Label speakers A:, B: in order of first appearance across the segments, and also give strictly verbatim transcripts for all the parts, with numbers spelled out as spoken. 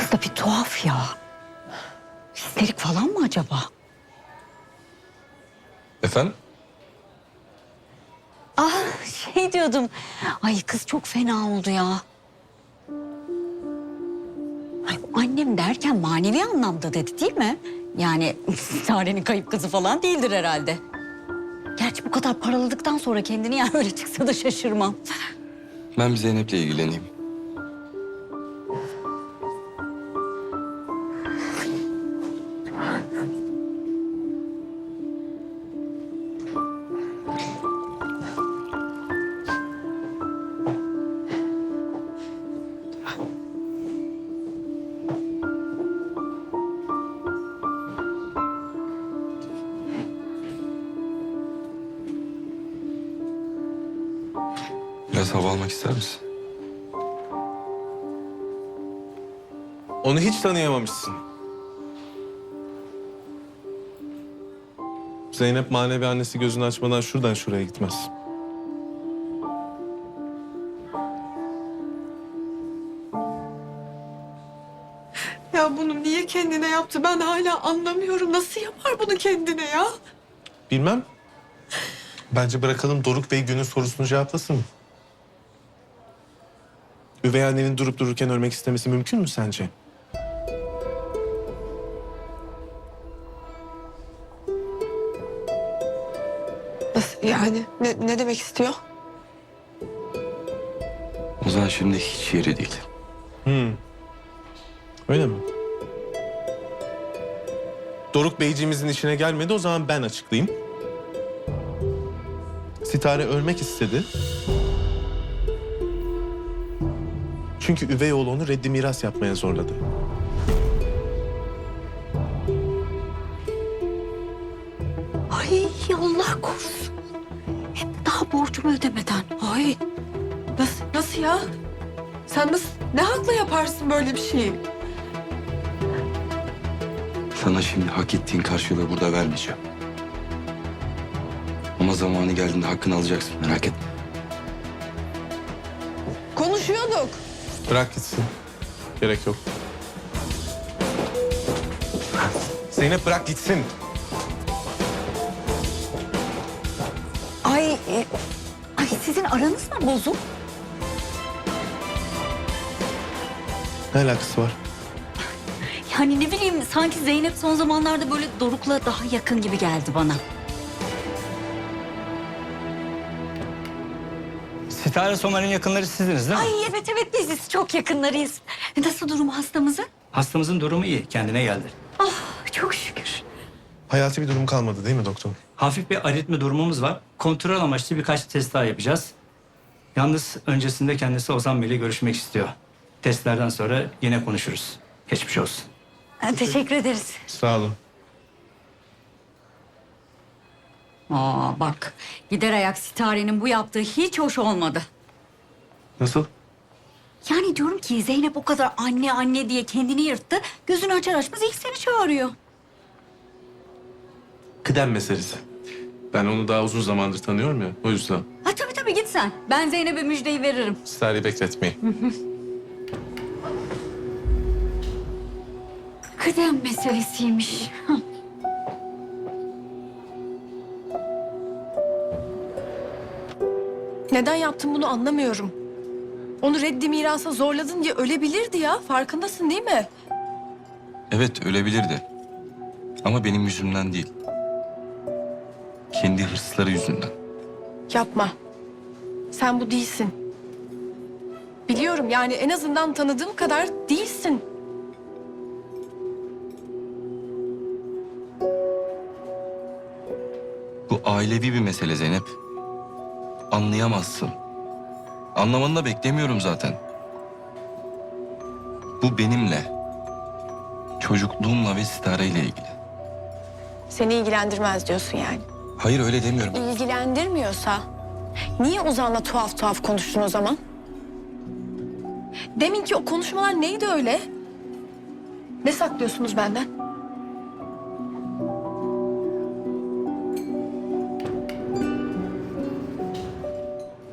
A: Kız da bir tuhaf ya. Histerik falan mı acaba?
B: Efendim?
A: Ah şey diyordum. Ay kız çok fena oldu ya. Ay, annem derken manevi anlamda dedi değil mi? Yani Sare'nin kayıp kızı falan değildir herhalde. Gerçi bu kadar paraladıktan sonra kendini yani öyle çıksa da şaşırmam.
B: Ben bir Zeynep'le ilgileneyim. Biraz hava almak ister misin?
C: Onu hiç tanıyamamışsın. Zeynep manevi annesi gözünü açmadan şuradan şuraya gitmez.
D: Ya bunu niye kendine yaptı? Ben hala anlamıyorum. Nasıl yapar bunu kendine ya?
C: Bilmem. Bence bırakalım Doruk Bey günün sorusunu cevaplasın. Üvey annenin durup dururken ölmek istemesi mümkün mü sence?
D: Nasıl yani? Ne, ne demek istiyor?
B: Ozan şimdi hiç yeri değil.
C: Hmm. Öyle mi? Doruk Beyciğimizin işine gelmedi, o zaman ben açıklayayım. Sitare ölmek istedi. Çünkü üvey oğlu onu reddi miras yapmaya zorladı.
A: Ay Allah korusun. Hep daha borcumu ödemeden. Ay.
D: Nasıl, nasıl ya? Sen nasıl, ne hakla yaparsın böyle bir şeyi?
B: Sana şimdi hak ettiğin karşılığı burada vermeyeceğim. Ama zamanı geldiğinde hakkını alacaksın, merak etme.
D: Konuşuyorduk.
C: Bırak gitsin. Gerek yok. Zeynep bırak gitsin.
A: Ay, e, ay sizin aranız mı bozuk?
C: Ne alakası var?
A: Yani ne bileyim sanki Zeynep son zamanlarda böyle Doruk'la daha yakın gibi geldi bana.
E: Sitare Somer'in yakınları sizdiniz değil mi?
A: Ay evet evet biziz çok yakınlarıyız. Nasıl durumu hastamızın?
E: Hastamızın durumu iyi, kendine geldi.
A: Ah çok şükür.
C: Hayati bir durum kalmadı değil mi doktor?
E: Hafif bir aritmi durumumuz var. Kontrol amaçlı birkaç test daha yapacağız. Yalnız öncesinde kendisi Ozan Bey'le görüşmek istiyor. Testlerden sonra yine konuşuruz. Geçmiş olsun.
A: Ha, teşekkür ederiz.
C: Sağ olun.
A: Aa bak gider ayak Sitare'nin bu yaptığı hiç hoş olmadı.
C: Nasıl?
A: Yani diyorum ki Zeynep o kadar anne anne diye kendini yırttı. Gözünü açar açmaz ilk seni çağırıyor.
C: Kıdem meselesi. Ben onu daha uzun zamandır tanıyorum ya, o yüzden.
A: Ha tabii tabii git sen. Ben Zeynep'e müjdeyi veririm.
C: Sizi bekletmeyin.
A: Kıdem meselesiymiş. Hah.
D: Neden yaptın bunu anlamıyorum. Onu reddi mirasa zorladın diye ölebilirdi ya. Farkındasın değil mi?
B: Evet, ölebilirdi. Ama benim yüzümden değil. Kendi hırsları yüzünden.
D: Yapma. Sen bu değilsin. Biliyorum yani en azından tanıdığım kadar değilsin.
B: Bu ailevi bir mesele Zeynep. Anlayamazsın. Anlamanı da beklemiyorum zaten. Bu benimle, çocukluğumla ve Sitare'yle ilgili.
D: Seni ilgilendirmez diyorsun yani.
B: Hayır, öyle demiyorum.
D: İlgilendirmiyorsa niye Ozan'la tuhaf tuhaf konuştun o zaman? Deminki o konuşmalar neydi öyle? Ne saklıyorsunuz benden?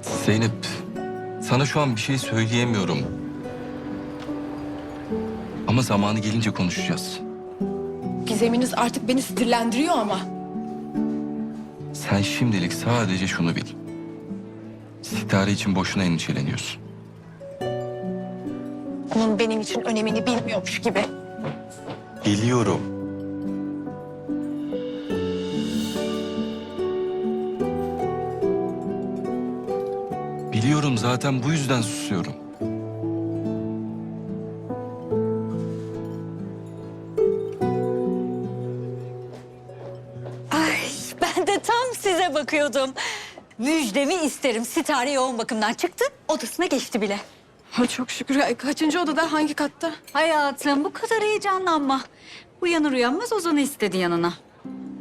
B: Zeynep, sana şu an bir şey söyleyemiyorum. Ama Ama zamanı gelince konuşacağız.
D: Gizeminiz artık beni sinirlendiriyor ama.
B: Sen şimdilik sadece şunu bil. Sitare için boşuna endişeleniyorsun.
D: Onun benim için önemini bilmiyormuş gibi.
B: Biliyorum. Biliyorum, zaten bu yüzden susuyorum.
A: Ay ben de tam size bakıyordum. Müjdemi isterim. Sitare yoğun bakımdan çıktı. Odasına geçti bile.
D: Ha, çok şükür. Ay, kaçıncı odada, hangi katta?
A: Hayatım bu kadar heyecanlanma. Uyanır uyanmaz Ozan'ı istedi yanına.